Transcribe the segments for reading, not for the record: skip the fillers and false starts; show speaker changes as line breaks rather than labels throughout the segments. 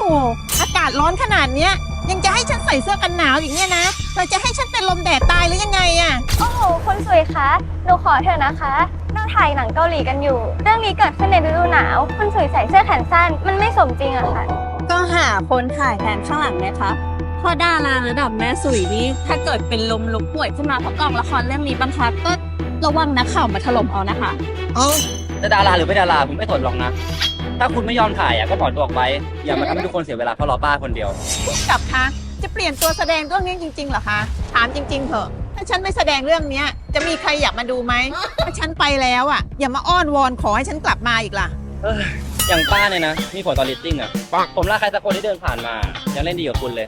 อากาศร้อนขนาดเนี้ยยังจะให้ฉันใส่เสื้อกันหนาวอย่างเงี้ยนะเธอจะให้ฉันเป็นลมแดดตายหรือยังไงอะ
โอ้โหคนสวยคะหนูขอเถอะนะคะเราถ่ายหนังเกาหลีกันอยู่ เรื่องนี้เกิดขึ้นในฤดูหนาวคนสวยใส่เสื้อแขนสั้นมันไม่สมจริงอะค่ะ
ก็หาคนถ่ายแทนข้างหลังไหมคะเพราะดาราระดับแม่สุยนี่ถ้าเกิดเป็นลมลุกป่วยขึ้นมาเพราะกองละครเรื่องนี้บังคับก็ระวังนักข่าวมาถล่มเอานะคะ
เอ้า
จะดาราหรือไม่ดาราผมไม่สนหรอกนะ ถ้าคุณไม่ยอมถ่ายก็ถอนตัวออกไป อย่ามาทำให้ทุกคนเสียเวลาเพราะรอป้าคนเดียว
กับคะจะเปลี่ยนตัวแสดงเรื่องนี้จริงๆเหรอคะถามจริงๆเถอะถ้าฉันไม่แสดงเรื่องเนี้ยจะมีใครอยากมาดูไหมถ้าฉันไปแล้วอ่ะอย่ามาอ้อนวอนขอให้ฉันกลับมาอีกล่ะ
อย่างป้าเนี่ยนะ มีผลต่อลิสติ้งผมล่าใครสักคนที่เดินผ่านมา ยังเล่นดีกว่าคุณเลย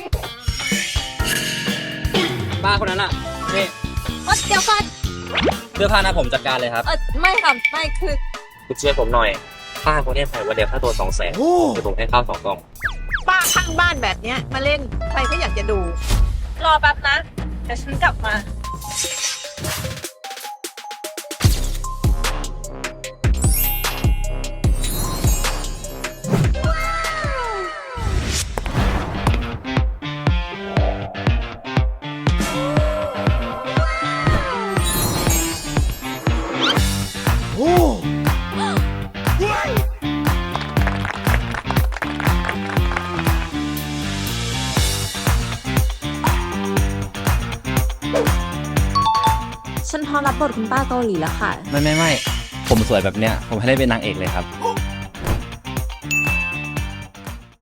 ป้าคนนั้นนี่
เดี๋ยวก่อน
เสื้อผ้าหน้าผมจัดการเลยครับ
ไม่ค่ะไม่คือ
คุณช่วยผมหน่อย ป้าคนนี้ใส่วันเดียวค่าตัว200,000เดี๋ยวผมให้ข้าว2 กล่อง
ป้าข้างบ้านแบบเนี้ยมาเล่นใครก็อยากจะดู
รอแป๊บนะเดี๋ยวฉันกลับมา
โอ้
ฉันพร้อมรับบทคุณป้าเกาหลีแล้วค่ะ
ไม่ ผมสวยแบบเนี้ย ผมให้ได้เป็นนางเอกเลยครับ